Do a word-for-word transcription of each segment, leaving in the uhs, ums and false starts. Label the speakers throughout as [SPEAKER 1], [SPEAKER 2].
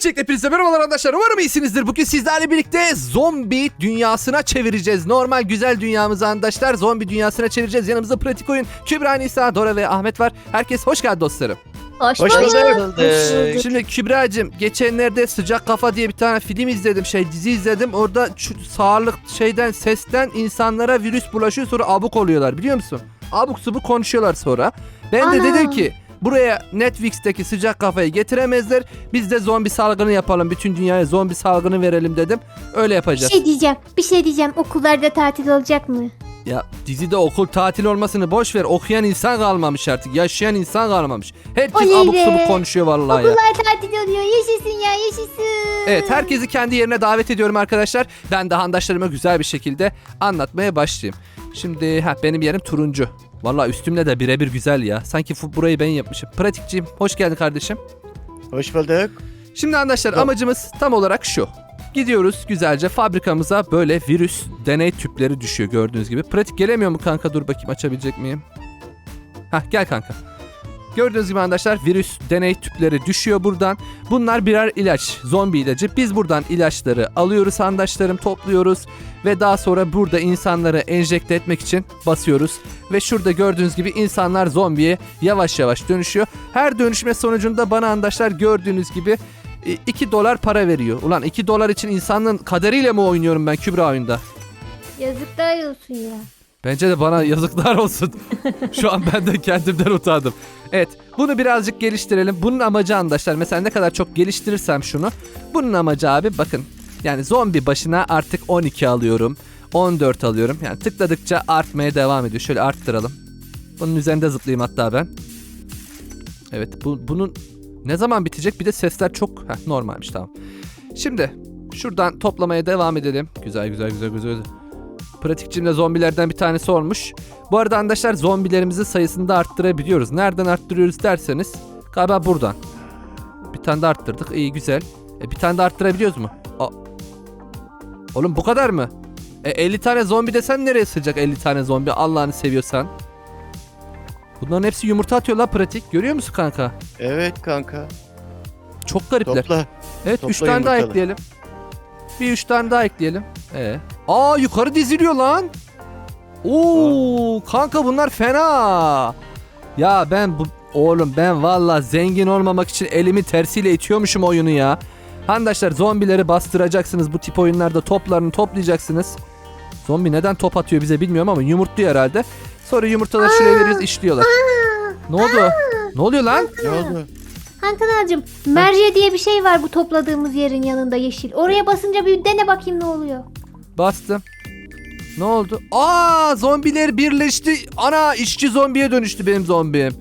[SPEAKER 1] Öncelikle hepinize merhabalar arkadaşlar. Umarım iyisinizdir. Bugün sizlerle birlikte zombi dünyasına çevireceğiz. Normal güzel dünyamızı arkadaşlar zombi dünyasına çevireceğiz. Yanımızda pratik oyun Kübra, Nisa, Dora ve Ahmet var. Herkes hoş geldi dostlarım.
[SPEAKER 2] Hoş,
[SPEAKER 3] Hoş
[SPEAKER 2] bulduk.
[SPEAKER 3] bulduk.
[SPEAKER 2] bulduk.
[SPEAKER 1] Şimdi Kübra'cığım geçenlerde Sıcak Kafa diye bir tane film izledim. Şey dizi izledim. Orada şu sağlık şeyden sesten insanlara virüs bulaşıyor, sonra abuk oluyorlar, biliyor musun? Abuk subuk konuşuyorlar sonra. Ben de
[SPEAKER 2] Ana.
[SPEAKER 1] dedim ki buraya Netflix'teki Sıcak Kafayı getiremezler. Biz de zombi salgını yapalım. Bütün dünyaya zombi salgını verelim dedim. Öyle
[SPEAKER 2] Bir
[SPEAKER 1] yapacağız.
[SPEAKER 2] şey diyeceğim. Bir şey diyeceğim. Okullarda tatil olacak mı?
[SPEAKER 1] Ya dizide okul tatil olmasını boş ver. Okuyan insan kalmamış artık. Yaşayan insan kalmamış. Herkes
[SPEAKER 2] Oley
[SPEAKER 1] abuk
[SPEAKER 2] be.
[SPEAKER 1] subuk konuşuyor vallahi ya.
[SPEAKER 2] Okullar tatil oluyor. Yaşasın ya, yaşasın.
[SPEAKER 1] Evet, herkesi kendi yerine davet ediyorum arkadaşlar. Ben de handaşlarıma güzel bir şekilde anlatmaya başlayayım. Şimdi ha, benim yerim turuncu. Vallahi üstümle de birebir güzel ya. Sanki fu- burayı ben yapmışım. Pratikciğim hoş geldin kardeşim.
[SPEAKER 3] Hoş bulduk.
[SPEAKER 1] Şimdi arkadaşlar
[SPEAKER 3] Tamam.
[SPEAKER 1] amacımız tam olarak şu. Gidiyoruz güzelce fabrikamıza, böyle virüs deney tüpleri düşüyor gördüğünüz gibi. Pratik gelemiyor mu kanka? Dur bakayım, açabilecek miyim? Hah, gel kanka. Gördüğünüz gibi arkadaşlar virüs deney tüpleri düşüyor buradan. Bunlar birer ilaç, zombi ilacı. Biz buradan ilaçları alıyoruz arkadaşlarım, topluyoruz. Ve daha sonra burada insanları enjekte etmek için basıyoruz. Ve şurada gördüğünüz gibi insanlar zombiye yavaş yavaş dönüşüyor. Her dönüşme sonucunda bana arkadaşlar gördüğünüz gibi iki dolar para veriyor. Ulan iki dolar için insanın kaderiyle mi oynuyorum ben Kübra oyunda?
[SPEAKER 2] Yazıklar olsun ya.
[SPEAKER 1] Bence de bana yazıklar olsun. Şu an ben de kendimden utandım. Evet, bunu birazcık geliştirelim. Bunun amacı arkadaşlar, mesela ne kadar çok geliştirirsem şunu. Bunun amacı abi bakın. Yani zombi başına artık on iki alıyorum. on dört alıyorum. Yani tıkladıkça artmaya devam ediyor. Şöyle arttıralım. Bunun üzerinde zıplayayım hatta ben. Evet, bu, bunun ne zaman bitecek? Bir de sesler çok heh, normalmiş, tamam. Şimdi şuradan toplamaya devam edelim. Güzel güzel güzel güzel. Pratikçimle zombilerden bir tanesi olmuş. Bu arada arkadaşlar zombilerimizin sayısını da arttırabiliyoruz. Nereden arttırıyoruz derseniz galiba buradan. Bir tane de arttırdık. İyi, güzel. E, bir tane de arttırabiliyoruz mu? Aa. Oğlum bu kadar mı? E, elli tane zombi desen nereye sığacak elli tane zombi, Allah'ını seviyorsan. Bunların hepsi yumurta atıyor la pratik. Görüyor musun kanka?
[SPEAKER 3] Evet kanka.
[SPEAKER 1] Çok garipler.
[SPEAKER 3] Topla.
[SPEAKER 1] Evet,
[SPEAKER 3] Topla
[SPEAKER 1] üç tane daha
[SPEAKER 3] yumurtaları.
[SPEAKER 1] ekleyelim. Bir üç tane daha ekleyelim. Ee. Aa, yukarı diziliyor lan. Oo kanka, bunlar fena. Ya ben bu oğlum ben valla zengin olmamak için elimi tersiyle itiyormuşum oyunu ya. Arkadaşlar zombileri bastıracaksınız bu tip oyunlarda, toplarını toplayacaksınız. Zombi neden top atıyor bize bilmiyorum ama yumurtluyor herhalde. Sonra yumurtaları şuraya veririz, işliyorlar. Ne oldu? Ne oluyor lan?
[SPEAKER 3] Ne oldu?
[SPEAKER 2] Hankanacığım, merce diye bir şey var bu topladığımız yerin yanında, yeşil. Oraya basınca bir dene bakayım ne oluyor.
[SPEAKER 1] Bastım. Ne oldu? Aa, zombiler birleşti. Ana, işçi zombiye dönüştü benim zombim.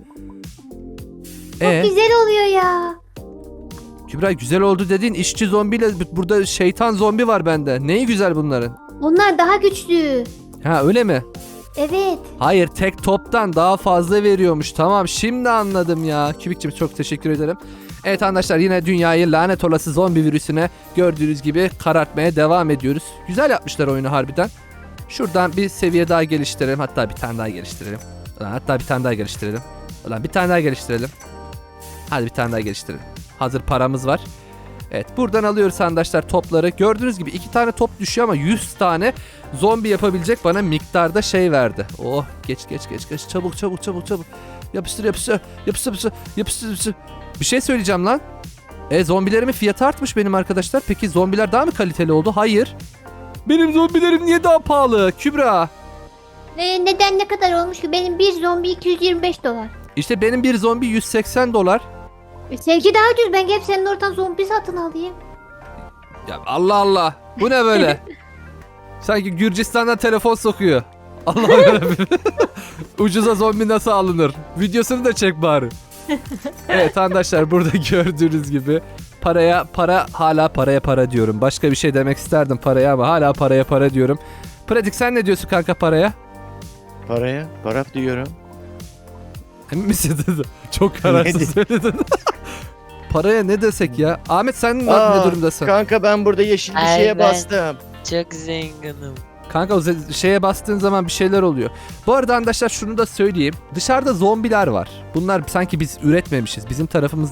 [SPEAKER 2] Çok
[SPEAKER 1] Ee,
[SPEAKER 2] güzel oluyor ya.
[SPEAKER 1] Kübra, güzel oldu dediğin işçi zombiyle burada şeytan zombi var bende. Neyi güzel bunların?
[SPEAKER 2] Onlar daha güçlü.
[SPEAKER 1] Ha, öyle mi?
[SPEAKER 2] Evet.
[SPEAKER 1] Hayır, tek toptan daha fazla veriyormuş. Tamam, şimdi anladım ya. Kübikçim çok teşekkür ederim. Evet arkadaşlar, yine dünyayı lanet olası zombi virüsüne gördüğünüz gibi karartmaya devam ediyoruz. Güzel yapmışlar oyunu harbiden. Şuradan bir seviye daha geliştirelim. Hatta bir tane daha geliştirelim. Ulan, hatta bir tane daha geliştirelim. Ulan bir tane daha geliştirelim. Hadi bir tane daha geliştirelim. Hazır paramız var. Evet, buradan alıyoruz arkadaşlar topları. Gördüğünüz gibi iki tane top düşüyor ama yüz tane zombi yapabilecek bana miktarda şey verdi. Oh, geç geç geç geç. Çabuk çabuk çabuk çabuk. Yapıştır yapıştır. Yapıştır yapıştır. Yapıştır yapıştır. Bir şey söyleyeceğim lan. E, zombilerimin fiyatı artmış benim arkadaşlar. Peki zombiler daha mı kaliteli oldu? Hayır. Benim zombilerim niye daha pahalı Kübra?
[SPEAKER 2] Ee, neden, ne kadar olmuş ki? Benim bir zombi iki yüz yirmi beş dolar.
[SPEAKER 1] İşte benim bir zombi yüz seksen dolar.
[SPEAKER 2] E, Sevgi daha ucuz. Ben gelip senin oradan zombi satın alayım.
[SPEAKER 1] Ya Allah Allah. Bu ne böyle? Sanki Gürcistan'dan telefon sokuyor. Allah yarabbim. Ucuza zombi nasıl alınır? Videosunu da çek bari. Evet arkadaşlar, burada gördüğünüz gibi paraya para, hala paraya para diyorum. Başka bir şey demek isterdim paraya ama hala paraya para diyorum. Pratik, sen ne diyorsun kanka paraya?
[SPEAKER 3] Paraya? Para diyorum.
[SPEAKER 1] Emin misin dedi? Çok kararsız söyledin. Paraya ne desek ya? Ahmet, sen ne,
[SPEAKER 3] Aa,
[SPEAKER 1] ne durumdasın?
[SPEAKER 3] Kanka ben burada yeşil bir
[SPEAKER 4] Ay,
[SPEAKER 3] şeye
[SPEAKER 4] ben-
[SPEAKER 3] bastım.
[SPEAKER 4] Çok zenginim.
[SPEAKER 1] Kanka o ze- şeye bastığın zaman bir şeyler oluyor. Bu arada arkadaşlar şunu da söyleyeyim. Dışarıda zombiler var. Bunlar sanki biz üretmemişiz. Bizim tarafımızdan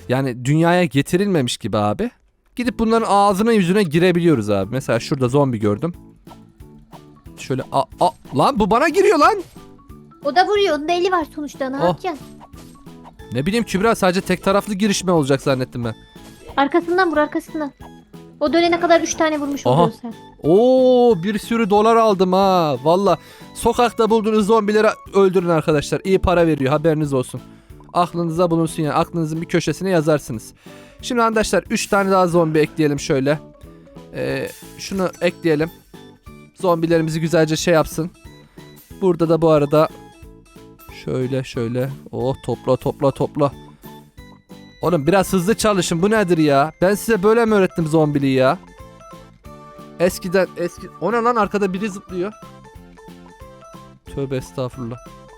[SPEAKER 1] yani dünyaya getirilmemiş gibi abi. Gidip bunların ağzına yüzüne girebiliyoruz abi. Mesela şurada zombi gördüm. Şöyle a, a lan bu bana giriyor lan.
[SPEAKER 2] O da vuruyor. Onun da eli var sonuçta. Ne
[SPEAKER 1] Oh.
[SPEAKER 2] yapacaksın?
[SPEAKER 1] Ne bileyim Kübra, sadece tek taraflı girişme olacak zannettim ben.
[SPEAKER 2] Arkasından vur arkasından. O dönene kadar üç tane vurmuş
[SPEAKER 1] Aha.
[SPEAKER 2] oluyorsun sen.
[SPEAKER 1] Oo, bir sürü dolar aldım ha. Valla sokakta bulduğunuz zombileri öldürün arkadaşlar. İyi para veriyor, haberiniz olsun. Aklınıza bulunsun yani. Aklınızın bir köşesine yazarsınız. Şimdi arkadaşlar üç tane daha zombi ekleyelim şöyle. Ee, şunu ekleyelim. Zombilerimizi güzelce şey yapsın. Burada da bu arada şöyle şöyle. Oh, topla topla topla. Oğlum biraz hızlı çalışın, bu nedir ya? Ben size böyle mi öğrettim zombiliği ya? Eskiden eski... O ne lan, arkada biri zıplıyor. Tövbe estağfurullah.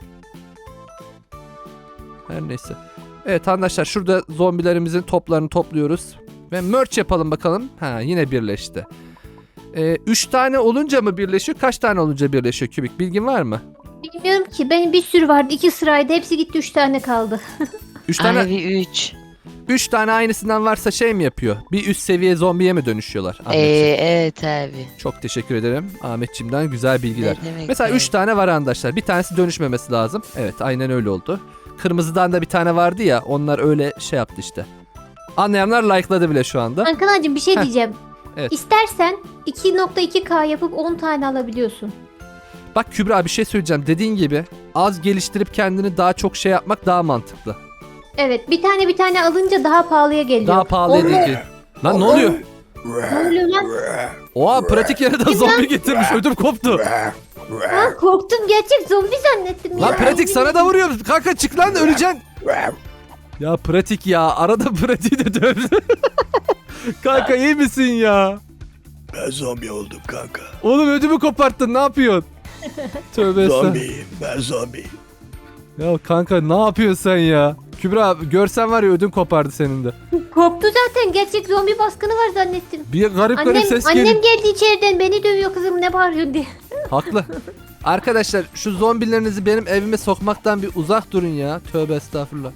[SPEAKER 1] Her neyse. Evet arkadaşlar, şurada zombilerimizin toplarını topluyoruz. Ve merch yapalım bakalım. Ha, yine birleşti. Ee, üç tane olunca mı birleşiyor? Kaç tane olunca birleşiyor Kübik? Bilgin var mı?
[SPEAKER 2] Bilmiyorum ki. Benim bir sürü vardı. iki sıraydı. Hepsi gitti. Üç tane kaldı.
[SPEAKER 1] Üç tane...
[SPEAKER 4] Abi üç.
[SPEAKER 1] Üç tane aynısından varsa şey mi yapıyor? Bir üst seviye zombiye mi dönüşüyorlar?
[SPEAKER 4] Ee,
[SPEAKER 1] Ahmetciğim?
[SPEAKER 4] evet abi.
[SPEAKER 1] Çok teşekkür ederim Ahmetciğimden, güzel bilgiler.
[SPEAKER 4] Ne demek
[SPEAKER 1] Mesela
[SPEAKER 4] abi?
[SPEAKER 1] üç tane var arkadaşlar. Bir tanesi dönüşmemesi lazım. Evet, aynen öyle oldu. Kırmızıdan da bir tane vardı ya, onlar öyle şey yaptı işte. Anlayanlar like'ladı bile şu anda.
[SPEAKER 2] Ankara'cığım bir şey
[SPEAKER 1] Heh.
[SPEAKER 2] diyeceğim.
[SPEAKER 1] Evet.
[SPEAKER 2] İstersen iki nokta iki K yapıp on tane alabiliyorsun.
[SPEAKER 1] Bak Kübra, bir şey söyleyeceğim. Dediğin gibi az geliştirip kendini daha çok şey yapmak daha mantıklı.
[SPEAKER 2] Evet, bir tane bir tane alınca daha pahalıya geliyor.
[SPEAKER 1] Daha pahalı
[SPEAKER 2] Onunla-
[SPEAKER 1] değil ki. Lan ne oluyor?
[SPEAKER 2] Ne oluyor lan?
[SPEAKER 1] Oha, pratik yere de zombi getirmiş. Ödüm koptu.
[SPEAKER 2] Ha, korktum, gerçek zombi zannettim ya.
[SPEAKER 1] Lan pratik sana da vuruyor. Kanka çık lan, öleceksin. Ya pratik ya. Arada pratiği de dövdü. Kanka iyi misin ya?
[SPEAKER 3] Ben zombi oldum kanka.
[SPEAKER 1] Oğlum ödümü koparttın, ne yapıyorsun? Tövbe estağfurullah.
[SPEAKER 3] Zombiyim, ben zombiyim.
[SPEAKER 1] Ya kanka ne yapıyorsun sen ya? Kübra, görsen var ya, ödüm kopardı senin de.
[SPEAKER 2] Korktu zaten, gerçek zombi baskını var zannettim.
[SPEAKER 1] Bir garip garip
[SPEAKER 2] Annem,
[SPEAKER 1] ses
[SPEAKER 2] annem
[SPEAKER 1] geliyor.
[SPEAKER 2] geldi içeriden, beni dövüyor kızım, ne bağırıyorsun diye.
[SPEAKER 1] Haklı. Arkadaşlar şu zombilerinizi benim evime sokmaktan bir uzak durun ya. Tövbe estağfurullah.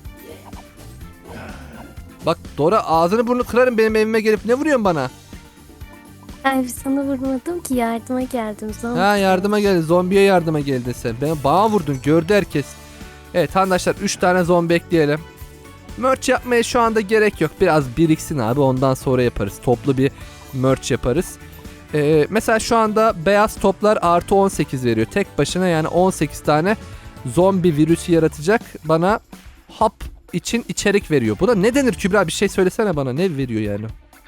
[SPEAKER 1] Bak Dora, ağzını burnunu kırarım, benim evime gelip ne vuruyorsun bana?
[SPEAKER 5] Ay sana vurmadım ki, yardıma geldim. Zombi.
[SPEAKER 1] Ha, yardıma geldin, zombiye yardıma geldin sen. Ben bana vurdun, gördü herkes. Evet arkadaşlar, üç tane zombi ekleyelim. Merch yapmaya şu anda gerek yok. Biraz biriksin abi, ondan sonra yaparız. Toplu bir merch yaparız. Ee, mesela şu anda beyaz toplar artı on sekiz veriyor. Tek başına yani on sekiz tane zombi virüsü yaratacak bana hap için içerik veriyor. Bu da ne denir Kübra, bir şey söylesene bana, ne veriyor yani?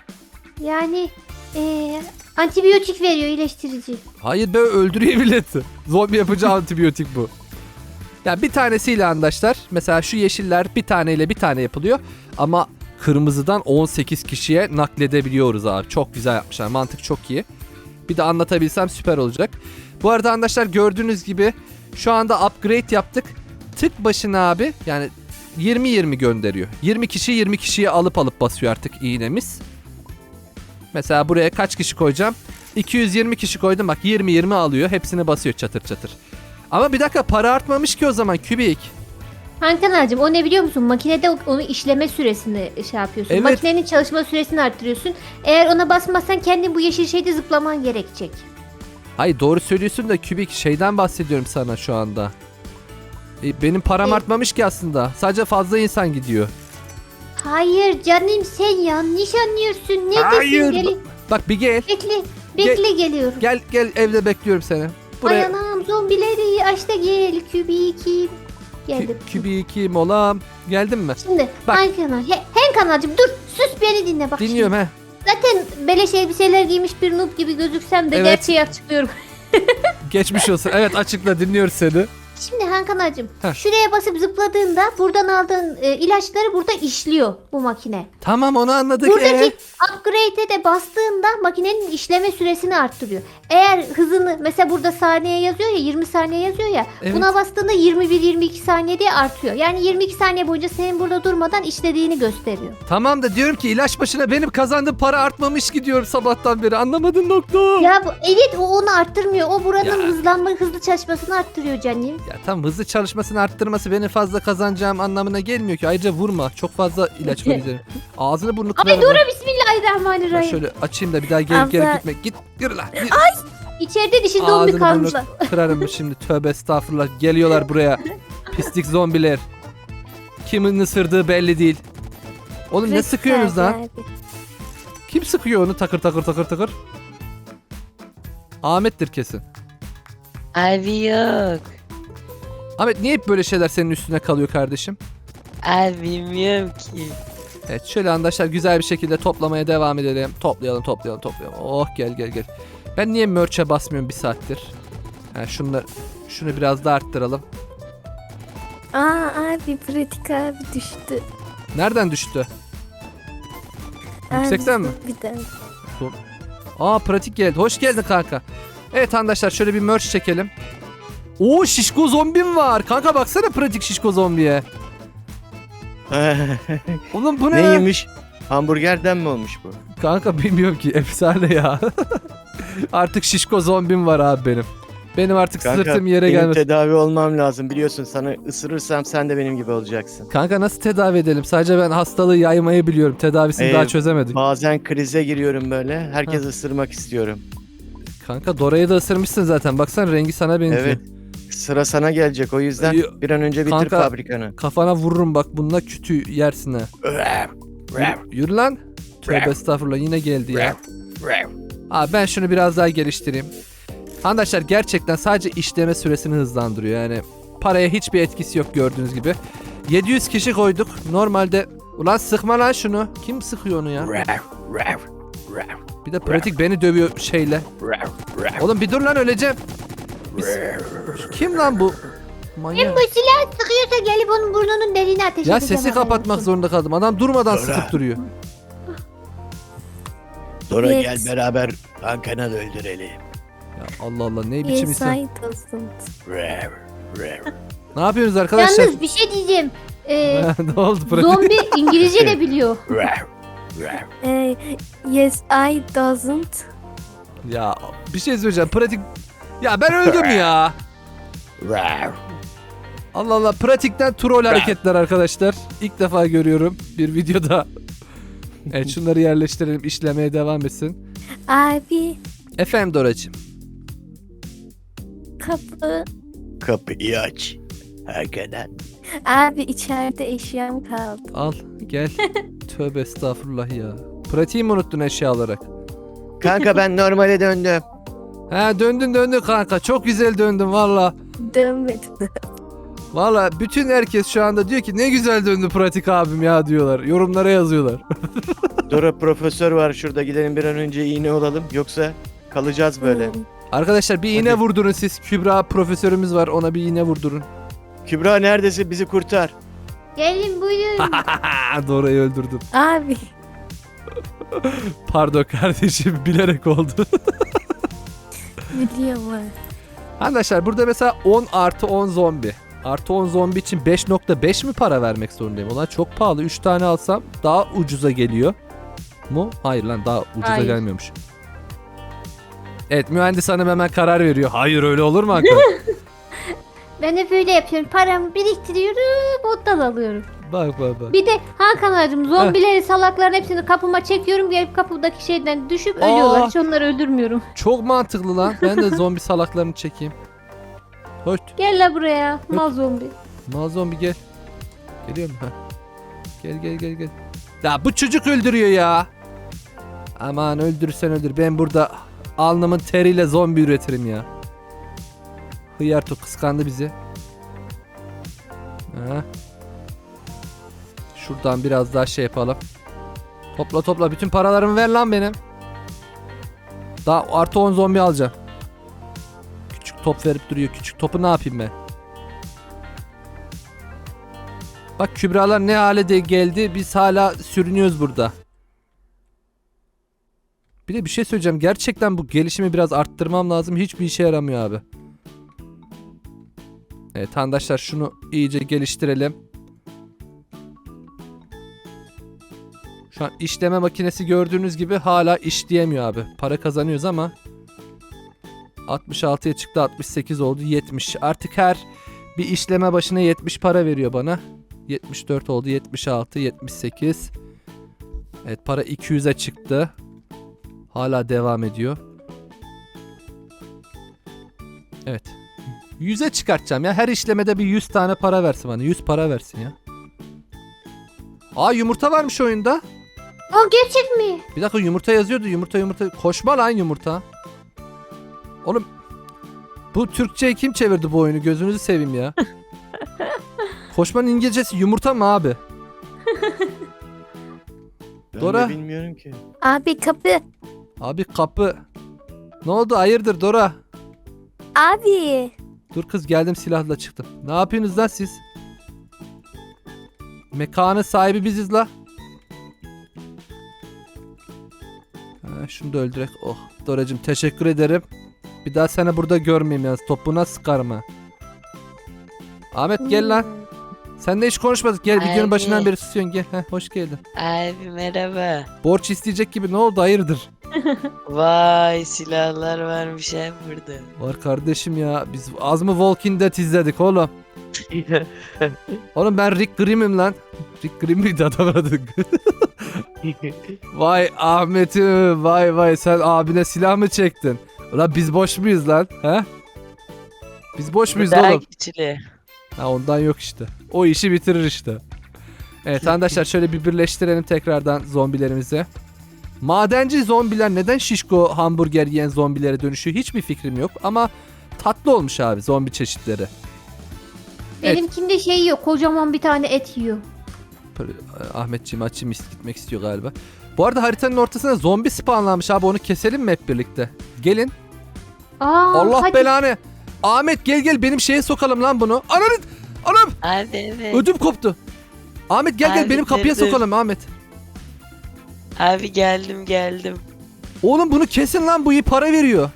[SPEAKER 2] Yani eee, antibiyotik veriyor, iyileştirici.
[SPEAKER 1] Hayır be, öldürüyor milleti. Zombi yapıcı antibiyotik bu. Yani bir tanesiyle arkadaşlar, mesela şu yeşiller bir taneyle bir tane yapılıyor. Ama kırmızıdan on sekiz kişiye nakledebiliyoruz abi. Çok güzel yapmışlar, mantık çok iyi. Bir de anlatabilsem süper olacak. Bu arada arkadaşlar, gördüğünüz gibi şu anda upgrade yaptık. Tık başına abi yani yirmi yirmi gönderiyor. yirmi kişi yirmi kişiye alıp alıp basıyor artık iğnemiz. Mesela buraya kaç kişi koyacağım? iki yüz yirmi kişi koydum, bak yirmi yirmi alıyor. Hepsini basıyor çatır çatır. Ama bir dakika, para artmamış ki o zaman Kübik.
[SPEAKER 2] Hankanacığım, o ne biliyor musun? Makinede onu işleme süresini şey yapıyorsun.
[SPEAKER 1] Evet.
[SPEAKER 2] Makinenin çalışma süresini arttırıyorsun. Eğer ona basmazsan kendin bu yeşil şeyde zıplaman gerekecek.
[SPEAKER 1] Hayır, doğru söylüyorsun da Kübik, şeyden bahsediyorum sana şu anda. E, benim param
[SPEAKER 2] E-
[SPEAKER 1] artmamış ki aslında. Sadece fazla insan gidiyor.
[SPEAKER 2] Hayır canım, sen yanlış anlıyorsun. Neredesin?
[SPEAKER 3] Hayır.
[SPEAKER 2] Gel,
[SPEAKER 1] Bak bir gel.
[SPEAKER 2] bekle, bekle geliyorum.
[SPEAKER 1] Gel gel, evde bekliyorum seni.
[SPEAKER 2] Ay
[SPEAKER 1] Buraya
[SPEAKER 2] anam, zombileri aç da gel Kübikim. Geldim.
[SPEAKER 1] Kü- Kübik'i molam. Geldin mi?
[SPEAKER 2] Şimdi
[SPEAKER 1] Bak.
[SPEAKER 2] Hankanal, he, Hankanalcığım dur, sus beni dinle bak.
[SPEAKER 1] Dinliyorum he.
[SPEAKER 2] Şimdi. Zaten beleş elbiseler giymiş bir noob gibi gözüksem de
[SPEAKER 1] Evet.
[SPEAKER 2] gerçeği açıklıyorum.
[SPEAKER 1] Geçmiş olsun. Evet, açıkla, dinliyoruz seni.
[SPEAKER 2] Şimdi Hankanalcığım,
[SPEAKER 1] Heh.
[SPEAKER 2] şuraya basıp zıpladığında buradan aldığın e, ilaçları burada işliyor bu makine.
[SPEAKER 1] Tamam, onu anladık.
[SPEAKER 2] Buradaki
[SPEAKER 1] Ee?
[SPEAKER 2] upgrade'e de bastığında makinenin işleme süresini arttırıyor. Eğer hızını mesela burada saniye yazıyor ya, yirmi saniye yazıyor ya.
[SPEAKER 1] Evet.
[SPEAKER 2] Buna bastığında yirmi bir yirmi iki saniye diye artıyor. Yani yirmi iki saniye boyunca senin burada durmadan işlediğini gösteriyor.
[SPEAKER 1] Tamam da diyorum ki ilaç başına benim kazandığım para artmamış ki diyorum sabahtan beri. Anlamadın nokta.
[SPEAKER 2] Ya bu, evet, o onu arttırmıyor. O buranın
[SPEAKER 1] Ya.
[SPEAKER 2] hızlanma, hızlı çalışmasını arttırıyor canım.
[SPEAKER 1] Ya tamam, hızlı çalışmasını arttırması benim fazla kazanacağım anlamına gelmiyor ki. Ayrıca vurma. Çok fazla ilaç veririm. Ağzını burnunu
[SPEAKER 2] Ay
[SPEAKER 1] kırarım.
[SPEAKER 2] dur
[SPEAKER 1] ben.
[SPEAKER 2] bismillahirrahmanirrahim.
[SPEAKER 1] Şöyle açayım da bir daha gelip gelip
[SPEAKER 5] Abla.
[SPEAKER 1] gitme. Git yürü lan. Yürü.
[SPEAKER 2] İçeride dişi zombi
[SPEAKER 1] Ağzını
[SPEAKER 2] kalmış.
[SPEAKER 1] burnunu kırarım şimdi. Tövbe estağfurullah. Geliyorlar buraya. Pislik zombiler. Kimin ısırdığı belli değil. Oğlum ne
[SPEAKER 5] Pratik
[SPEAKER 1] sıkıyorsunuz
[SPEAKER 5] abi,
[SPEAKER 1] lan?
[SPEAKER 5] abi.
[SPEAKER 1] Kim sıkıyor onu takır takır takır takır? Ahmet'tir kesin.
[SPEAKER 4] Abi yok.
[SPEAKER 1] Ahmet niye hep böyle şeyler senin üstüne kalıyor kardeşim?
[SPEAKER 4] Abi bilmiyorum ki.
[SPEAKER 1] Evet şöyle arkadaşlar güzel bir şekilde toplamaya devam edelim. Toplayalım toplayalım toplayalım. Oh gel gel gel. Ben niye merch'e basmıyorum bir saattir? Ha, şunu, şunu biraz da arttıralım.
[SPEAKER 5] Aa abi pratik abi düştü.
[SPEAKER 1] Nereden düştü? Yüksekten
[SPEAKER 5] Abi,
[SPEAKER 1] mi?
[SPEAKER 5] Bir daha.
[SPEAKER 1] Aa pratik geldi. Hoş geldin kanka. Evet arkadaşlar şöyle bir merch çekelim. Oo şişko zombim var. Kanka baksana pratik şişko zombiye. Oğlum bu ne? lan?
[SPEAKER 6] Neymiş? Hamburgerden mi olmuş bu?
[SPEAKER 1] Kanka bilmiyorum ki efsane ya. Artık şişko zombim var abi benim. Benim artık
[SPEAKER 6] Kanka
[SPEAKER 1] sırtım yere
[SPEAKER 6] benim
[SPEAKER 1] gelmez.
[SPEAKER 6] tedavi olmam lazım. Biliyorsun sana ısırırsam sen de benim gibi olacaksın.
[SPEAKER 1] Kanka nasıl tedavi edelim? Sadece ben hastalığı yaymayı biliyorum. Tedavisini
[SPEAKER 6] Ee,
[SPEAKER 1] daha çözemedik.
[SPEAKER 6] Bazen krize giriyorum böyle. Herkes
[SPEAKER 1] Ha.
[SPEAKER 6] ısırmak istiyorum.
[SPEAKER 1] Kanka Dora'yı da ısırmışsın zaten. Baksana rengi sana benziyor.
[SPEAKER 6] Evet. Sıra sana gelecek. O yüzden
[SPEAKER 1] Yo,
[SPEAKER 6] bir an önce bitir
[SPEAKER 1] kanka-
[SPEAKER 6] fabrikanı.
[SPEAKER 1] Kafana vururum bak bununla kütü yersin ha. Yürü, yürü lan. Tövbe estağfurullah yine geldi ya. Abi ben şunu biraz daha geliştireyim. Arkadaşlar gerçekten sadece işleme süresini hızlandırıyor. Yani paraya hiçbir etkisi yok gördüğünüz gibi. yedi yüz kişi koyduk. Normalde ulan sıkma lan şunu. Kim sıkıyor onu ya? Bir de pratik beni dövüyor şeyle. Oğlum bir dur lan öleceğim. Biz- Kim lan bu?
[SPEAKER 2] Kim
[SPEAKER 1] Manyak.
[SPEAKER 2] bu silah sıkıyorsa gelip onun burnunun deliğine ateş
[SPEAKER 1] Ya
[SPEAKER 2] edeceğim.
[SPEAKER 1] sesi
[SPEAKER 2] haberin
[SPEAKER 1] kapatmak
[SPEAKER 2] olsun.
[SPEAKER 1] zorunda kaldım. Adam durmadan
[SPEAKER 3] Dora.
[SPEAKER 1] sıkıp duruyor.
[SPEAKER 3] Dora
[SPEAKER 5] Yes.
[SPEAKER 3] gel beraber kankana da öldürelim.
[SPEAKER 1] Ya Allah Allah ne biçim
[SPEAKER 5] Yes
[SPEAKER 1] insan.
[SPEAKER 5] I doesn't.
[SPEAKER 1] Ne yapıyorsunuz arkadaşlar?
[SPEAKER 2] Yalnız bir şey diyeceğim. Ee,
[SPEAKER 1] Ne oldu pratik?
[SPEAKER 2] zombi İngilizce de biliyor.
[SPEAKER 5] Ee, yes I doesn't.
[SPEAKER 1] Ya bir şey söyleyeceğim. Pratik... Ya ben öldüm ya. Allah Allah pratikten troll hareketler arkadaşlar. İlk defa görüyorum bir videoda. Evet şunları yerleştirelim işlemeye devam etsin.
[SPEAKER 5] Abi
[SPEAKER 1] Efendim Doracığım.
[SPEAKER 5] kapı.
[SPEAKER 3] Kapıyı aç. Hakan'a.
[SPEAKER 5] Abi içeride eşyam kaldı.
[SPEAKER 1] Al gel. Tövbe estağfurullah ya. Pratiği mi unuttun eşya olarak?
[SPEAKER 6] Kanka ben normale döndüm.
[SPEAKER 1] Ha döndün döndün kanka. Çok güzel döndün valla.
[SPEAKER 5] Dönmedim.
[SPEAKER 1] Valla bütün herkes şu anda diyor ki ne güzel döndü pratik abim ya diyorlar. Yorumlara yazıyorlar.
[SPEAKER 6] Dora profesör var şurada, gidelim bir an önce iğne olalım. Yoksa kalacağız böyle.
[SPEAKER 5] Hmm.
[SPEAKER 1] Arkadaşlar bir iğne
[SPEAKER 6] Hadi.
[SPEAKER 1] vurdurun siz. Kübra profesörümüz var ona bir iğne vurdurun.
[SPEAKER 6] Kübra neredesin? Bizi kurtar.
[SPEAKER 2] Gelin buyurun.
[SPEAKER 1] Dora'yı öldürdüm.
[SPEAKER 5] Abi
[SPEAKER 1] Pardon kardeşim bilerek oldu.
[SPEAKER 5] biliyorum abi.
[SPEAKER 1] Arkadaşlar burada mesela on artı on zombi. Artı on zombi için beş nokta beş mi para vermek zorundayım? Ulan çok pahalı. üç tane alsam daha ucuza geliyor. Mu? Hayır lan daha ucuza
[SPEAKER 2] Hayır.
[SPEAKER 1] gelmiyormuş. Evet mühendis hanım hemen karar veriyor. Hayır öyle olur mu Hakan?
[SPEAKER 2] Ben hep öyle yapıyorum. Paramı biriktiriyorum, bottan alıyorum.
[SPEAKER 1] Bak bak bak.
[SPEAKER 2] Bir de Hakan ağacım zombileri salakların hepsini kapıma çekiyorum. Gelip kapıdaki şeyden düşüp ölüyorlar.
[SPEAKER 1] Aa.
[SPEAKER 2] Hiç onları öldürmüyorum.
[SPEAKER 1] Çok mantıklı lan. Ben de zombi salaklarını çekeyim. Hoş.
[SPEAKER 2] Gel la buraya. Mal zombi.
[SPEAKER 1] Ma zombi gel. Geliyor mu? Heh. Gel gel gel gel. Ya bu çocuk öldürüyor ya. Aman öldürürsen öldür. Ben burada alnımın teriyle zombi üretirim ya. Hıyarto kıskandı bizi. Ha. Şuradan biraz daha şey yapalım. Topla topla bütün paralarımı ver lan benim. Daha artı on zombi alacağım. Küçük top verip duruyor. Küçük topu ne yapayım ben? Bak Kübralar ne hale de geldi. Biz hala sürünüyoruz burada. Bir de bir şey söyleyeceğim. Gerçekten bu gelişimi biraz arttırmam lazım. Hiçbir işe yaramıyor abi. Evet arkadaşlar şunu iyice geliştirelim. Şu an işleme makinesi gördüğünüz gibi hala işleyemiyor abi. Para kazanıyoruz ama altmış altıya çıktı, altmış sekiz oldu, yetmiş. Artık her Bir işleme başına yetmiş para veriyor bana. yetmiş dört oldu. yetmiş altı, yetmiş sekiz. Evet, para iki yüze çıktı. Hala devam ediyor. Evet. yüze çıkartacağım ya. Her işlemede bir yüz tane para versin bana. yüz para versin ya. Aa, yumurta varmış oyunda.
[SPEAKER 2] Aa, gerçek mi?
[SPEAKER 1] Bir dakika, yumurta yazıyordu. Yumurta yumurta. Koşma lan yumurta. Oğlum, bu Türkçe'ye kim çevirdi bu oyunu? Gözünüzü seveyim ya. Koşmanın İngilizcesi yumurta mı abi?
[SPEAKER 6] Ben
[SPEAKER 1] Dora.
[SPEAKER 6] de bilmiyorum ki.
[SPEAKER 5] Abi kapı.
[SPEAKER 1] Abi kapı. Ne oldu? Hayırdır Dora?
[SPEAKER 5] Abi.
[SPEAKER 1] Dur kız, geldim, silahla çıktım. Ne yapıyorsunuz lan siz? Mekanın sahibi biziz la. Ha, şunu da öldürek. Oh, Doracığım teşekkür ederim. Bir daha seni burada görmeyeyim yalnız. Topuna sıkarım ha. Ahmet gel lan.
[SPEAKER 5] Hmm.
[SPEAKER 1] Seninle hiç konuşmadık. Gel, videonun
[SPEAKER 4] Abi.
[SPEAKER 1] başından beri susuyorsun. Gel. Heh, hoş geldin.
[SPEAKER 4] Abi merhaba.
[SPEAKER 1] Borç isteyecek gibi, ne oldu? Hayırdır?
[SPEAKER 4] Vay silahlar varmış hem burada.
[SPEAKER 1] Var kardeşim ya. Biz az mı Walking Dead izledik oğlum? Oğlum ben Rick Grimm'im lan. Rick Grimm miydi adamın adı? Vay Ahmet'im, vay vay, sen abine silah mı çektin? Ulan biz boş muyuz lan? He? Biz boş muyuz
[SPEAKER 4] Daha
[SPEAKER 1] oğlum?
[SPEAKER 4] güçlü.
[SPEAKER 1] Ha, ondan yok işte. O işi bitirir işte. Evet arkadaşlar, şöyle bir birleştirelim tekrardan zombilerimizi. Madenci zombiler neden şişko hamburger yiyen zombilere dönüşüyor hiçbir fikrim yok. Ama tatlı olmuş abi zombi çeşitleri. Evet.
[SPEAKER 2] Benimkinde şey yiyor. Kocaman bir tane et yiyor.
[SPEAKER 1] Böyle, Ahmetciğim açayım, gitmek istiyor galiba. Bu arada haritanın ortasına zombi spawnlanmış abi, onu keselim mi hep birlikte? Gelin.
[SPEAKER 2] Aa,
[SPEAKER 1] Allah
[SPEAKER 2] hadi.
[SPEAKER 1] belanı. Ahmet gel gel, benim şeye sokalım lan bunu. Ananı, anam,
[SPEAKER 4] Abi evet.
[SPEAKER 1] ödüm koptu. Ahmet gel gel,
[SPEAKER 4] Abi,
[SPEAKER 1] benim kapıya
[SPEAKER 4] dur, dur.
[SPEAKER 1] sokalım Ahmet.
[SPEAKER 4] Abi geldim geldim.
[SPEAKER 1] Oğlum bunu kesin lan, bu iyi para veriyor.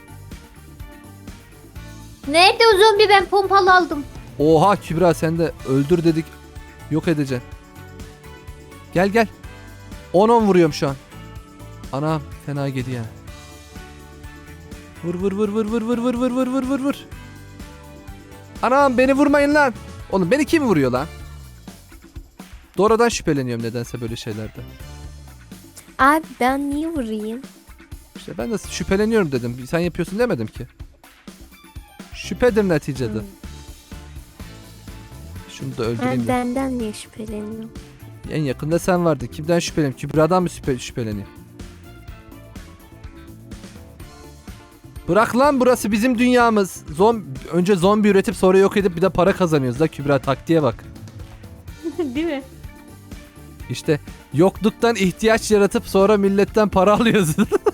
[SPEAKER 2] Nerede o zombi? Ben pompalı aldım.
[SPEAKER 1] Oha Kübra, sen de öldür dedik. Yok edeceksin. Gel gel. on on vuruyorum şu an. Anam fena geliyor yani. Vur vur vur vur vur vur vur vur vur vur vur vur. Anam beni vurmayın lan. Oğlum beni kim vuruyor lan? Dora'dan şüpheleniyorum nedense böyle şeylerde.
[SPEAKER 5] Abi ben niye vurayım?
[SPEAKER 1] İşte ben de şüpheleniyorum dedim. Sen yapıyorsun demedim ki. Şüphedir neticede.
[SPEAKER 5] Hmm.
[SPEAKER 1] Şunu da öldüreyim.
[SPEAKER 5] Ben
[SPEAKER 1] de.
[SPEAKER 5] benden niye şüpheleniyorum?
[SPEAKER 1] En yakında sen vardın. Kimden şüpheleneyim? Kübra'dan mı şüphe şüpheleneyim? Bırak lan, burası bizim dünyamız. Zom önce zombi üretip sonra yok edip bir de para kazanıyoruz da Kübra, taktiğe bak.
[SPEAKER 2] Değil mi?
[SPEAKER 1] İşte yokluktan ihtiyaç yaratıp sonra milletten para alıyoruz.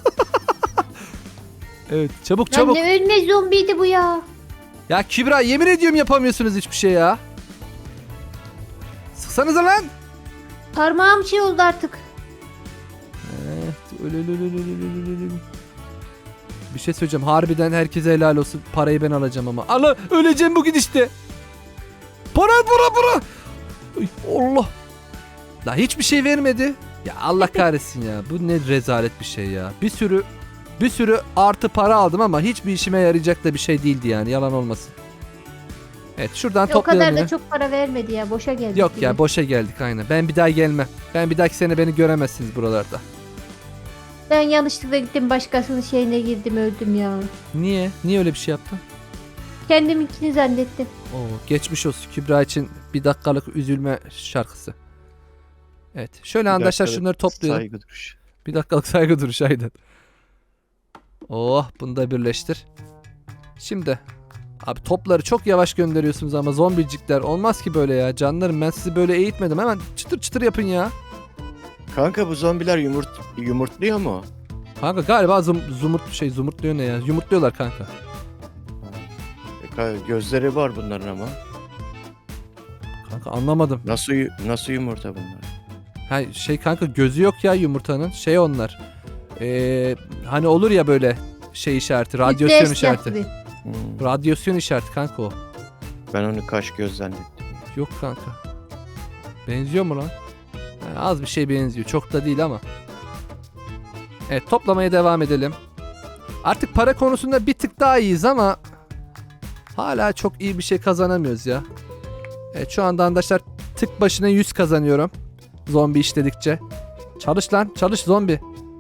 [SPEAKER 1] Evet, çabuk
[SPEAKER 2] Lan
[SPEAKER 1] çabuk.
[SPEAKER 2] ne ölmez zombiydi bu ya.
[SPEAKER 1] Ya Kübra, yemin ediyorum yapamıyorsunuz hiçbir şey ya. Sıksanıza lan.
[SPEAKER 2] Parmağım şey oldu artık.
[SPEAKER 1] Evet, öyle, öyle, öyle, öyle, öyle, öyle. Bir şey söyleyeceğim. Harbiden herkese helal olsun. Parayı ben alacağım ama. Allah, öleceğim bugün işte. Para para para. Ay, Allah. La hiçbir şey vermedi. Ya Allah kahretsin ya. Bu ne rezalet bir şey ya. Bir sürü bir sürü artı para aldım ama hiçbir işime yarayacak da bir şey değildi yani. Yalan olmasın. Evet, şuradan
[SPEAKER 2] O
[SPEAKER 1] toplayalım
[SPEAKER 2] kadar da
[SPEAKER 1] yine.
[SPEAKER 2] çok para vermedi ya. Boşa geldi.
[SPEAKER 1] Yok ya, boşa geldik aynen. Ben bir daha gelmem. Ben bir dahaki sene beni göremezsiniz buralarda.
[SPEAKER 2] Ben yanlışlıkla gittim, başkasının şeyine girdim, öldüm ya.
[SPEAKER 1] Niye? Niye öyle bir şey yaptın?
[SPEAKER 2] Kendiminkini zannettim.
[SPEAKER 1] Oo, geçmiş olsun Kübra için bir dakikalık üzülme şarkısı. Evet. Şöyle
[SPEAKER 6] Bir
[SPEAKER 1] arkadaşlar
[SPEAKER 6] dakika,
[SPEAKER 1] şunları toplayalım.
[SPEAKER 6] Saygı duruşu.
[SPEAKER 1] Bir dakikalık saygı duruşu aynen. Oh, bunu da birleştir. Şimdi abi topları çok yavaş gönderiyorsunuz ama zombicikler, olmaz ki böyle ya. Canlarım, ben sizi böyle eğitmedim. Hemen çıtır çıtır yapın ya.
[SPEAKER 6] Kanka bu zombiler yumurt yumurtluyor mu?
[SPEAKER 1] Kanka galiba zum, zumurt şey zumurtluyor ne ya? Yumurtluyorlar kanka.
[SPEAKER 6] E, ka- Gözleri var bunların ama.
[SPEAKER 1] Kanka anlamadım.
[SPEAKER 6] Nasıl yu- nasıl yumurta bunlar?
[SPEAKER 1] Ha şey kanka, gözü yok ya yumurtanın. Şey onlar. Ee, hani olur ya böyle şey işareti, radyasyon
[SPEAKER 2] Nükleer
[SPEAKER 1] işareti.
[SPEAKER 2] silah gibi.
[SPEAKER 6] Hmm,
[SPEAKER 1] Radyasyon işareti kanka o.
[SPEAKER 6] ben onu kaş göz zannettim.
[SPEAKER 1] Yok kanka. Benziyor mu lan? Ha, az bir şey benziyor. Çok da değil ama. Evet, toplamaya devam edelim. Artık para konusunda bir tık daha iyiyiz ama Hala çok iyi bir şey kazanamıyoruz ya. Evet şu anda arkadaşlar tık başına yüz kazanıyorum. Zombi işledikçe. Çalış lan çalış zombi.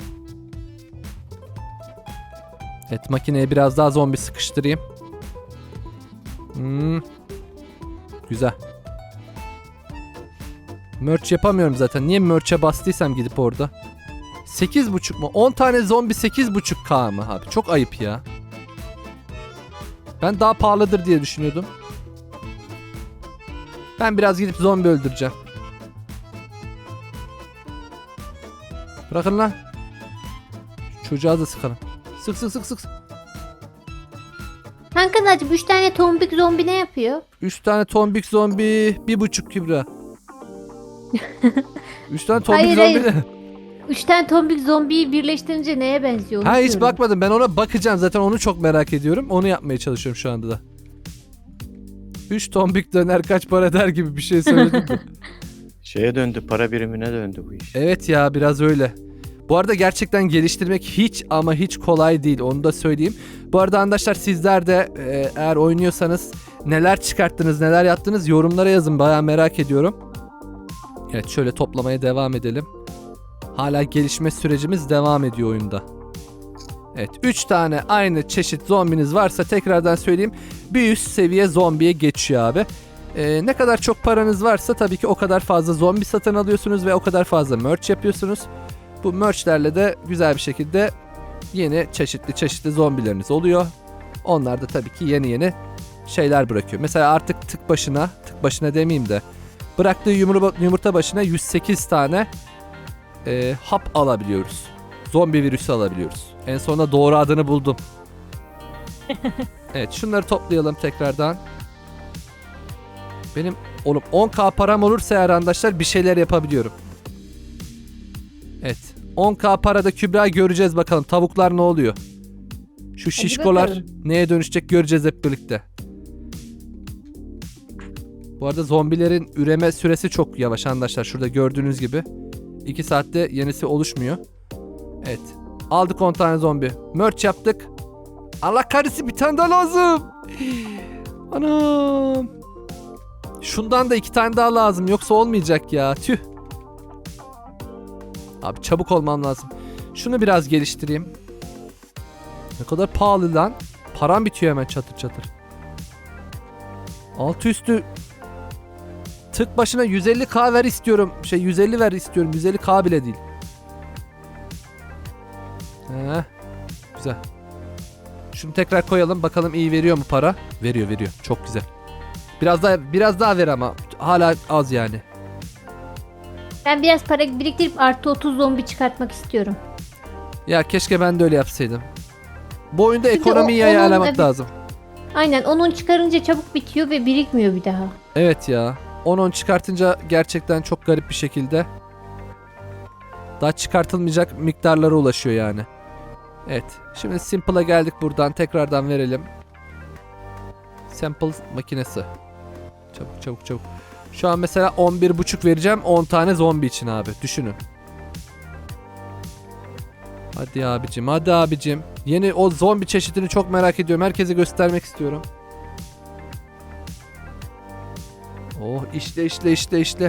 [SPEAKER 1] Evet makineye biraz daha zombi sıkıştırayım. Hmm. Güzel. Merch yapamıyorum zaten. Niye merch'e bastıysam gidip orada. sekiz buçuk mu? on tane zombi sekiz buçuk K mı abi? Çok ayıp ya. Ben daha pahalıdır diye düşünüyordum. Ben biraz gidip zombi öldüreceğim. Bırakın lan. Şu çocuğa da sıkalım. Sık sık sık sık.
[SPEAKER 2] Kanka Nacım üç tane tombik zombi ne yapıyor?
[SPEAKER 1] üç tane tombik zombi. bir buçuk Kübra. üç tane tombik
[SPEAKER 2] Hayır,
[SPEAKER 1] zombi
[SPEAKER 2] hayır.
[SPEAKER 1] ne?
[SPEAKER 2] üç tane tombik zombiyi birleştirince neye benziyor? onu
[SPEAKER 1] Ha hiç
[SPEAKER 2] diyorum.
[SPEAKER 1] bakmadım. Ben ona bakacağım. Zaten onu çok merak ediyorum. Onu yapmaya çalışıyorum şu anda da. üç tombik döner kaç para eder gibi bir şey söyledim mi?
[SPEAKER 6] Şeye döndü, para birimine döndü bu iş.
[SPEAKER 1] Evet ya biraz öyle. Bu arada gerçekten geliştirmek hiç ama hiç kolay değil. Onu da söyleyeyim. Bu arada arkadaşlar sizler de e, eğer oynuyorsanız neler çıkarttınız, neler yaptınız yorumlara yazın. Bayağı merak ediyorum. Evet şöyle toplamaya devam edelim. Hala gelişme sürecimiz devam ediyor oyunda. Evet üç tane aynı çeşit zombiniz varsa tekrardan söyleyeyim. Bir üst seviye zombiye geçiyor abi. Ee, ne kadar çok paranız varsa tabii ki o kadar fazla zombi satın alıyorsunuz ve o kadar fazla merch yapıyorsunuz. Bu merchlerle de güzel bir şekilde yeni çeşitli çeşitli zombileriniz oluyor. Onlar da tabii ki yeni yeni şeyler bırakıyor. Mesela artık tık başına, tık başına demeyeyim de bıraktığı yumurta, yumurta başına yüz sekiz tane e, hap alabiliyoruz. Zombi virüsü alabiliyoruz. En sonunda doğru adını buldum. Evet şunları toplayalım tekrardan. Benim oğlum on K param olursa eğer arkadaşlar bir şeyler yapabiliyorum. Evet. on K parada Kübra göreceğiz bakalım. Tavuklar ne oluyor? Şu şişkolar
[SPEAKER 2] bakalım.
[SPEAKER 1] neye dönüşecek göreceğiz hep birlikte. Bu arada zombilerin üreme süresi çok yavaş arkadaşlar. Şurada gördüğünüz gibi. iki saatte yenisi oluşmuyor. Evet. Aldık on tane zombi. Merch yaptık. Allah kahretsin bir tane daha lazım. Anam. Şundan da iki tane daha lazım. Yoksa olmayacak ya. Tüh. Abi çabuk olmam lazım. Şunu biraz geliştireyim. Ne kadar pahalı lan. Param bitiyor hemen çatır çatır. Altı üstü tık başına yüz elli K ver istiyorum. Şey yüz elli ver istiyorum. yüz elli K bile değil. Heh. Güzel. Şunu tekrar koyalım. Bakalım iyi veriyor mu para? Veriyor veriyor. Çok güzel. Biraz daha biraz daha ver ama hala az yani.
[SPEAKER 2] Ben biraz para biriktirip artı otuz zombi çıkartmak istiyorum.
[SPEAKER 1] Ya keşke ben de öyle yapsaydım. Bu oyunda
[SPEAKER 2] Çünkü
[SPEAKER 1] ekonomiyi
[SPEAKER 2] o- onun-
[SPEAKER 1] ayarlamak
[SPEAKER 2] evet.
[SPEAKER 1] lazım.
[SPEAKER 2] Aynen onun çıkarınca çabuk bitiyor ve birikmiyor bir daha.
[SPEAKER 1] Evet ya. on on çıkartınca gerçekten çok garip bir şekilde daha çıkartılmayacak miktarlara ulaşıyor yani. Evet. Şimdi Simple'a geldik buradan. Tekrardan verelim. Sample makinesi. Çabuk çabuk çabuk. Şu an mesela on bir buçuk vereceğim on tane zombi için abi. Düşünün. Hadi abicim hadi abicim. Yeni o zombi çeşidini çok merak ediyorum. Herkese göstermek istiyorum. Oh işle işle işle işle.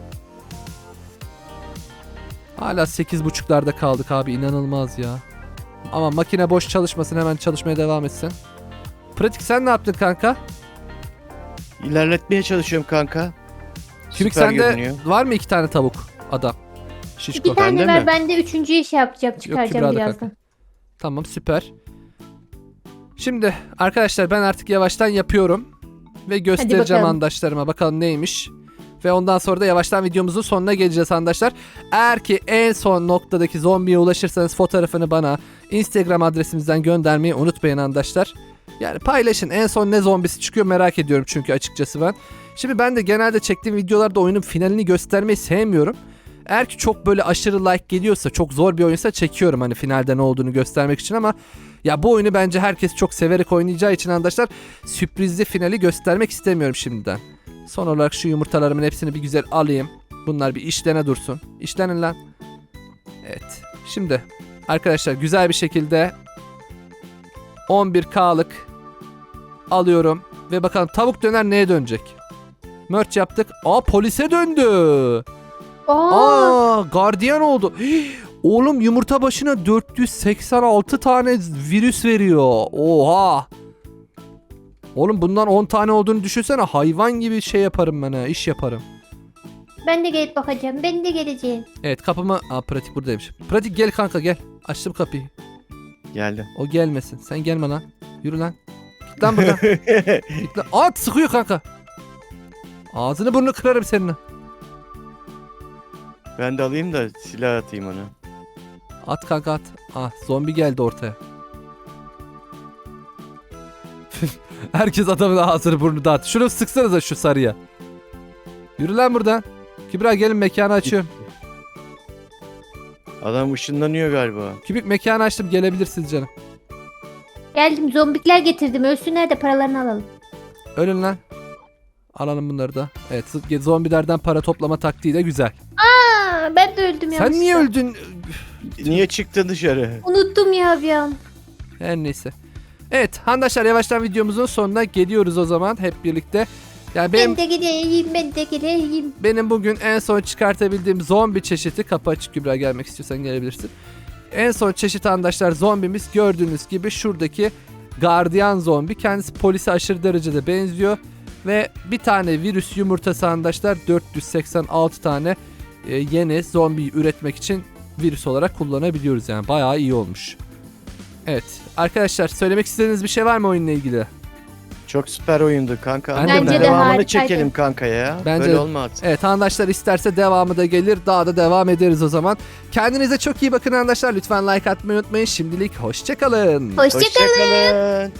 [SPEAKER 1] Hala sekiz buçuklarda kaldık abi inanılmaz ya. Ama makine boş çalışmasın hemen çalışmaya devam etsin. Pratik sen ne yaptın kanka?
[SPEAKER 6] İlerletmeye çalışıyorum kanka.
[SPEAKER 1] Kübik
[SPEAKER 6] Süper
[SPEAKER 1] sende
[SPEAKER 6] görünüyor.
[SPEAKER 1] var mı iki tane tavuk adam? Şişko.
[SPEAKER 2] İki tane
[SPEAKER 6] Bende
[SPEAKER 2] ver
[SPEAKER 6] mi?
[SPEAKER 2] ben de üçüncüyü şey yapacağım çıkaracağım
[SPEAKER 1] Kübra'da
[SPEAKER 2] birazdan.
[SPEAKER 1] kanka. Tamam süper. Şimdi arkadaşlar ben artık yavaştan yapıyorum. Ve göstereceğim
[SPEAKER 2] bakalım.
[SPEAKER 1] arkadaşlarıma bakalım neymiş. Ve ondan sonra da yavaştan videomuzun sonuna geleceğiz arkadaşlar. Eğer ki en son noktadaki zombiye ulaşırsanız fotoğrafını bana Instagram adresimizden göndermeyi unutmayın arkadaşlar. Yani paylaşın en son ne zombisi çıkıyor merak ediyorum çünkü açıkçası ben. Şimdi ben de genelde çektiğim videolarda oyunun finalini göstermeyi sevmiyorum. Eğer ki çok böyle aşırı like geliyorsa çok zor bir oyunsa çekiyorum hani finalde ne olduğunu göstermek için ama ya bu oyunu bence herkes çok severek oynayacağı için arkadaşlar sürprizli finali göstermek istemiyorum şimdiden. Son olarak şu yumurtalarımın hepsini bir güzel alayım. Bunlar bir işlene dursun. İşlenin lan. Evet. Şimdi arkadaşlar güzel bir şekilde on bir K'lık alıyorum. Ve bakalım tavuk döner neye dönecek? Merch yaptık. Aa polise döndü.
[SPEAKER 2] Aa,
[SPEAKER 1] Aa gardiyan oldu. Hii, oğlum yumurta başına dört yüz seksen altı tane virüs veriyor. Oha. Oğlum bundan on tane olduğunu düşünsene. Hayvan gibi şey yaparım ben ha. İş yaparım.
[SPEAKER 2] ben de gelip bakacağım. Ben de geleceğim.
[SPEAKER 1] Evet kapımı... Aa pratik buradaymış. Pratik gel kanka gel. Açtım kapıyı.
[SPEAKER 6] Geldim.
[SPEAKER 1] O gelmesin. Sen gelme lan. Yürü lan. Git lan buradan. Git lan. At sıkıyor kanka. Ağzını burnunu kırarım seninle.
[SPEAKER 6] Ben de alayım da silah atayım ona.
[SPEAKER 1] At kanka at. Ah zombi geldi ortaya. Herkes adamın ağzını burnunu dağıt. Şunu sıksanıza şu sarıya. Yürü lan buradan. Kübra gelin mekanı açıyorum.
[SPEAKER 6] Adam ışınlanıyor galiba.
[SPEAKER 1] Kübik mekanı açtım gelebilirsiniz canım.
[SPEAKER 2] Geldim, zombikler getirdim. Ölsünler de paralarını alalım.
[SPEAKER 1] Ölün lan. Alalım bunları da. Evet zombilerden para toplama taktiği de güzel.
[SPEAKER 2] Aa, ben de öldüm ya.
[SPEAKER 1] Sen niye öldün?
[SPEAKER 6] Niye çıktın dışarı?
[SPEAKER 2] Unuttum ya bir an.
[SPEAKER 1] Her neyse. Evet arkadaşlar yavaştan videomuzun sonuna geliyoruz o zaman hep birlikte. Yani benim
[SPEAKER 2] Ben de geleyim, ben de geleyim.
[SPEAKER 1] benim bugün en son çıkartabildiğim zombi çeşidi, kapı açık Kübra, gelmek istiyorsan gelebilirsin. En son çeşit arkadaşlar zombimiz gördüğünüz gibi şuradaki gardiyan zombi. Kendisi polise aşırı derecede benziyor. Ve bir tane virüs yumurtası arkadaşlar dört yüz seksen altı tane e, yeni zombiyi üretmek için virüs olarak kullanabiliyoruz. Yani bayağı iyi olmuş. Evet arkadaşlar söylemek istediğiniz bir şey var mı oyunla ilgili?
[SPEAKER 6] Çok süper oyundu kanka.
[SPEAKER 1] Bence
[SPEAKER 6] Ama
[SPEAKER 1] de
[SPEAKER 6] devamını
[SPEAKER 2] harikaydı.
[SPEAKER 6] çekelim kanka ya.
[SPEAKER 1] Bence
[SPEAKER 6] Böyle
[SPEAKER 1] de.
[SPEAKER 6] olmaz.
[SPEAKER 1] Evet arkadaşlar isterse devamı da gelir. Daha da devam ederiz o zaman. Kendinize çok iyi bakın arkadaşlar. Lütfen like atmayı unutmayın. Şimdilik hoşçakalın.
[SPEAKER 2] Hoşçakalın.
[SPEAKER 6] Hoşçakalın.